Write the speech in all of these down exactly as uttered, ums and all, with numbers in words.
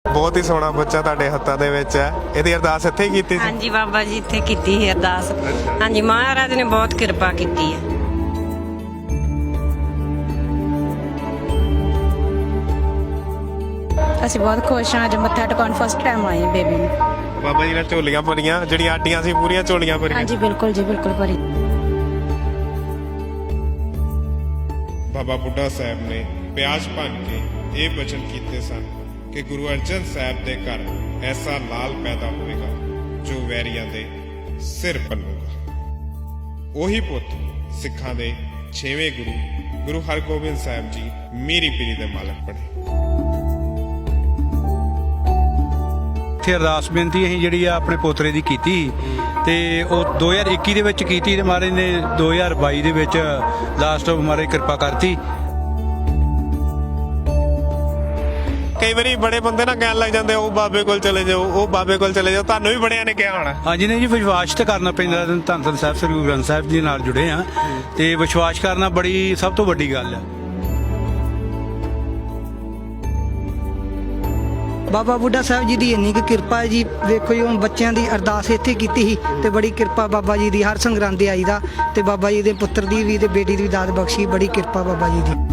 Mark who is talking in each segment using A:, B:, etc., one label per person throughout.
A: ਬਹੁਤ ਹੀ ਸੋਹਣਾ ਬੱਚਾ ਤੁਹਾਡੇ ਹੱਥਾਂ ਦੇ ਵਿੱਚ ਹੈ। ਇਹਦੀ ਅਰਦਾਸ ਇੱਥੇ ਹੀ ਕੀਤੀ ਸੀ?
B: ਹਾਂਜੀ ਬਾਬਾ ਜੀ ਇੱਥੇ ਕੀਤੀ ਸੀ ਅਰਦਾਸ। ਹਾਂਜੀ ਮਹਾਰਾਜ ਨੇ ਬਹੁਤ ਕਿਰਪਾ ਕੀਤੀ ਹੈ।
C: ਅਸੀਂ ਬਹੁਤ ਖੁਸ਼ ਹਾਂ। ਅੱਜ ਮੱਥਾ ਟਿਕਾਉਣ ਫਸਟ ਟਾਈਮ ਆਏ ਬੇਬੀ ਨੂੰ।
A: ਬਾਬਾ ਜੀ ਨੇ ਝੋਲੀਆਂ ਭਰੀਆਂ, ਜਿਹੜੀਆਂ ਆਟੀਆਂ ਸੀ ਪੂਰੀਆਂ ਝੋਲੀਆਂ ਭਰੀਆਂ।
C: ਹਾਂਜੀ ਬਿਲਕੁਲ ਜੀ, ਬਿਲਕੁਲ ਭਰੀ।
A: ਬਾਬਾ ਬੁੱਢਾ ਸਾਹਿਬ ਨੇ ਪਿਆਸ ਭੰਨ ਕੇ ਇਹ ਬਚਨ ਕੀਤੇ ਸਨ ਕਿ ਗੁਰੂ ਅਰਜਨ ਸਾਹਿਬ ਦੇ ਘਰ ਐਸਾ ਲਾਲ ਪੈਦਾ ਹੋਵੇਗਾ ਜੋ ਵੈਰੀਆਂ ਦੇ ਸਿਰ ਪੰਨੂਗਾ। ਉਹੀ ਪੁੱਤ ਸਿੱਖਾਂ ਦੇ ਛੇਵੇਂ ਗੁਰੂ ਗੁਰੂ ਹਰਗੋਬਿੰਦ ਸਾਹਿਬ ਜੀ ਮੀਰੀ ਪੀਰੀ ਦੇ ਮਾਲਕ ਬਣੇ।
D: ਇੱਥੇ ਅਰਦਾਸ ਬੇਨਤੀ ਅਸੀਂ ਜਿਹੜੀ ਆ ਆਪਣੇ ਪੋਤਰੇ ਦੀ ਕੀਤੀ ਤੇ ਉਹ ਦੋ ਹਜ਼ਾਰ ਇੱਕੀ ਦੇ ਵਿੱਚ ਕੀਤੀ ਤੇ ਮਹਾਰਾਜ ਨੇ ਦੋ ਹਜ਼ਾਰ ਬਾਈ ਦੇ ਵਿੱਚ ਲਾਸਟ ਮਹਾਰਾਜ ਕਿਰਪਾ ਕਰਤੀ। ਕਈ ਵਾਰੀ ਬੜੇ ਬੰਦੇ ਨਾ ਕਹਿਣ ਲੱਗ ਜਾਂਦੇ ਉਹ ਬਾਬੇ ਕੋਲ ਚਲੇ ਜਾਓ, ਉਹ ਬਾਬੇ ਕੋਲ ਚਲੇ ਜਾਓ। ਤੁਹਾਨੂੰ ਵੀ ਬੜਿਆਂ ਨੇ ਕਿਹਾ ਹੋਣਾ। ਹਾਂਜੀ ਨਹੀਂ ਜੀ, ਵਿਸ਼ਵਾਸ ਤਾਂ ਕਰਨਾ ਪੈਂਦਾ। ਧੰਨ ਧੰਨ ਸਾਹਿਬ ਸ੍ਰੀ ਗੁਰੂ ਗ੍ਰੰਥ ਸਾਹਿਬ ਜੀ ਨਾਲ ਜੁੜੇ ਆ ਤੇ ਵਿਸ਼ਵਾਸ ਕਰਨਾ ਬੜੀ ਸਭ ਤੋਂ ਵੱਡੀ ਗੱਲ ਆ।
E: ਬਾਬਾ ਬੁੱਢਾ ਸਾਹਿਬ ਜੀ ਦੀ ਇੰਨੀ ਕੁ ਕਿਰਪਾ ਹੈ ਜੀ। ਵੇਖੋ ਜੀ ਹੁਣ ਬੱਚਿਆਂ ਦੀ ਅਰਦਾਸ ਇੱਥੇ ਕੀਤੀ ਸੀ ਤੇ ਬੜੀ ਕਿਰਪਾ ਬਾਬਾ ਜੀ ਦੀ। ਹਰ ਸੰਗਰਾਂਦੇ ਆਈਦਾ ਤੇ ਬਾਬਾ ਜੀ ਦੇ ਪੁੱਤਰ ਦੀ ਵੀ ਤੇ ਬੇਟੀ ਦੀ ਵੀ ਦਾਤ ਬਖਸ਼ੀ। ਬੜੀ ਕਿਰਪਾ ਬਾਬਾ ਜੀ ਦੀ।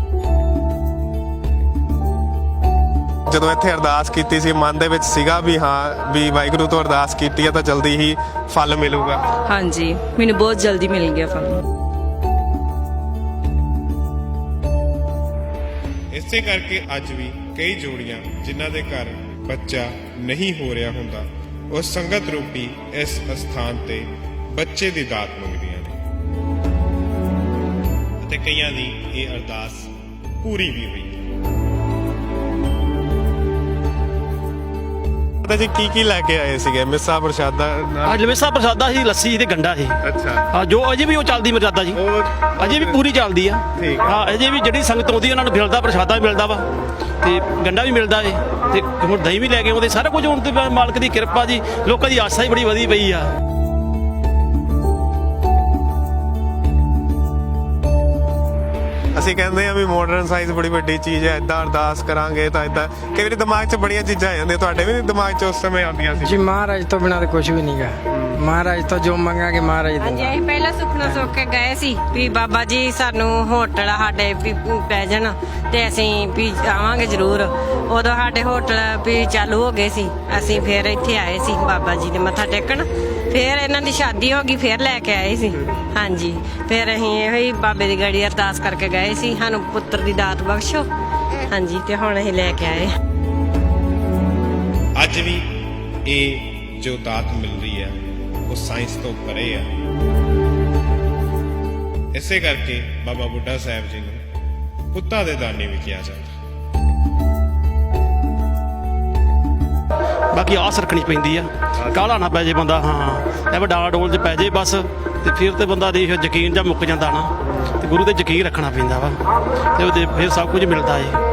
A: ਜਦੋਂ ਇੱਥੇ ਅਰਦਾਸ ਕੀਤੀ ਸੀ ਮਨ ਦੇ ਵਿੱਚ ਸੀਗਾ ਵੀ ਹਾਂ ਵੀ ਵਾਹਿਗੁਰੂ ਤੋਂ ਅਰਦਾਸ ਕੀਤੀ ਹੈ ਤਾਂ ਜਲਦੀ ਹੀ ਫਲ ਮਿਲੂਗਾ?
B: ਹਾਂਜੀ ਮੈਨੂੰ ਬਹੁਤ ਜਲਦੀ ਮਿਲ ਗਿਆ ਫਲ।
A: ਇਸੇ ਕਰਕੇ ਅੱਜ ਵੀ ਕਈ ਜੋੜੀਆਂ ਜਿਨ੍ਹਾਂ ਦੇ ਘਰ ਬੱਚਾ ਨਹੀਂ ਹੋ ਰਿਹਾ ਹੁੰਦਾ ਉਹ ਸੰਗਤ ਰੂਪੀ ਇਸ ਸਥਾਨ ਤੇ ਬੱਚੇ ਦੀ ਦਾਤ ਮੰਗਦੀਆਂ ਨੇ ਅਤੇ ਕਈਆਂ ਦੀ ਇਹ ਅਰਦਾਸ ਪੂਰੀ ਵੀ ਹੋਈ। ਜੀ ਕੀ ਕੀ ਲੈ ਕੇ ਆਏ ਸੀਗੇ? ਮਿੱਸਾ ਪ੍ਰਸ਼ਾਦਾ?
F: ਅੱਜ ਮਿੱਸਾ ਪ੍ਰਸ਼ਾਦਾ ਸੀ, ਲੱਸੀ ਸੀ ਤੇ ਗੰਡਾ ਸੀ।
A: ਅੱਛਾ
F: ਹਾਂ, ਜੋ ਅਜੇ ਵੀ ਉਹ ਚੱਲਦੀ ਮਰਜ਼ਾਦਾ ਜੀ, ਅਜੇ ਵੀ ਪੂਰੀ ਚੱਲਦੀ ਆ।
A: ਠੀਕ
F: ਹਾਂ, ਅਜੇ ਵੀ ਜਿਹੜੀ ਸੰਗਤ ਆਉਂਦੀ ਉਹਨਾਂ ਨੂੰ ਮਿਲਦਾ, ਪ੍ਰਸ਼ਾਦਾ ਵੀ ਮਿਲਦਾ ਵਾ ਤੇ ਗੰਡਾ ਵੀ ਮਿਲਦਾ ਏ ਤੇ ਹੁਣ ਦਹੀਂ ਵੀ ਲੈ ਕੇ ਆਉਂਦੇ। ਸਾਰਾ ਕੁਝ ਹੁਣ ਤੇ ਮਾਲਕ ਦੀ ਕਿਰਪਾ ਜੀ। ਲੋਕਾਂ ਦੀ ਆਸਾ ਹੀ ਬੜੀ ਵਧੀ ਪਈ ਆ।
A: ਅਸੀਂ ਕਹਿੰਦੇ ਆ ਵੀ ਮਾਡਰਨ ਸਾਇੰਸ ਬੜੀ ਵੱਡੀ ਚੀਜ਼ ਹੈ। ਏਦਾਂ ਅਰਦਾਸ ਕਰਾਂਗੇ ਤਾਂ ਏਦਾਂ ਕਈ ਵਾਰੀ ਦਿਮਾਗ 'ਚ ਬੜੀਆਂ ਚੀਜ਼ਾਂ ਆ ਜਾਂਦੀਆਂ। ਤੁਹਾਡੇ ਵੀ ਦਿਮਾਗ 'ਚ ਉਸ ਸਮੇਂ ਆਉਂਦੀਆਂ ਸੀ?
G: ਜੀ ਮਹਾਰਾਜ ਤੋਂ ਬਿਨਾਂ ਤਾਂ ਕੁਝ ਵੀ ਨਹੀਂ ਗਾ। ਮਹਾਰਾਜ ਤੋਂ ਜੋ ਮੰਗਾਂਗੇ ਮਹਾਰਾਜ
B: ਹਾਂਜੀ
G: ਦੇ।
B: ਅਸੀਂ ਪਹਿਲਾਂ ਸੁਪਨਾ ਸੋਚ ਕੇ ਗਏ ਸੀ ਵੀ ਬਾਬਾ ਜੀ ਸਾਨੂੰ ਹੋਟਲ ਸਾਡੇ ਵੀ ਪੈ ਜਾਣ ਤੇ ਅਸੀਂ ਵੀ ਆਵਾਂਗੇ ਜ਼ਰੂਰ। ਉਦੋਂ ਸਾਡੇ ਹੋਟਲ ਵੀ ਚਾਲੂ ਹੋ ਗਏ ਸੀ। ਅਸੀਂ ਫਿਰ ਇੱਥੇ ਆਏ ਸੀ ਬਾਬਾ ਜੀ ਦੇ ਮੱਥਾ ਟੇਕਣ। ਫਿਰ ਇਹਨਾਂ ਦੀ ਸ਼ਾਦੀ ਹੋ ਗਈ, ਫਿਰ ਲੈ ਕੇ ਆਏ ਸੀ। ਹਾਂਜੀ ਫਿਰ ਅਸੀਂ ਇਹੋ ਹੀ ਬਾਬੇ ਦੀ ਗੜੀ ਅਰਦਾਸ ਕਰਕੇ ਗਏ ਸੀ ਸਾਨੂੰ ਪੁੱਤਰ ਦੀ ਦਾਤ ਬਖਸ਼ੋ। ਹਾਂਜੀ ਤੇ ਹੁਣ ਅਸੀਂ ਲੈ ਕੇ ਆਏ।
A: ਅੱਜ ਵੀ ਇਹ ਜੋ ਦਾਤ ਮਿਲ ਰਹੀ ਹੈ ਉਹ ਸਾਇੰਸ ਤੋਂ ਪਰੇ ਆ। ਇਸੇ ਕਰਕੇ ਬਾਬਾ ਬੁੱਢਾ ਸਾਹਿਬ ਜੀ ਨੂੰ ਪੁੱਤਾਂ ਦੇ ਦਾਨੀ ਵੀ ਕਿਹਾ ਜਾਂਦਾ।
F: ਬਾਕੀ ਆਸ ਰੱਖਣੀ ਪੈਂਦੀ ਆ, ਕਾਹਲਾ ਨਾ ਪੈ ਜੇ ਬੰਦਾ। ਹਾਂ ਐਵੇਂ ਡਾਲਾ ਡੋਲ 'ਚ ਪੈ ਜੇ ਬਸ ਤੇ ਫਿਰ ਤੇ ਬੰਦਾ ਦੇ ਯਕੀਨ ਜਾਂ ਮੁੱਕ ਜਾਂਦਾ ਨਾ। ਤੇ ਗੁਰੂ ਤੇ ਯਕੀਨ ਰੱਖਣਾ ਪੈਂਦਾ ਵਾ ਤੇ ਉਹਦੇ ਫਿਰ ਸਭ ਕੁਝ ਮਿਲਦਾ ਏ।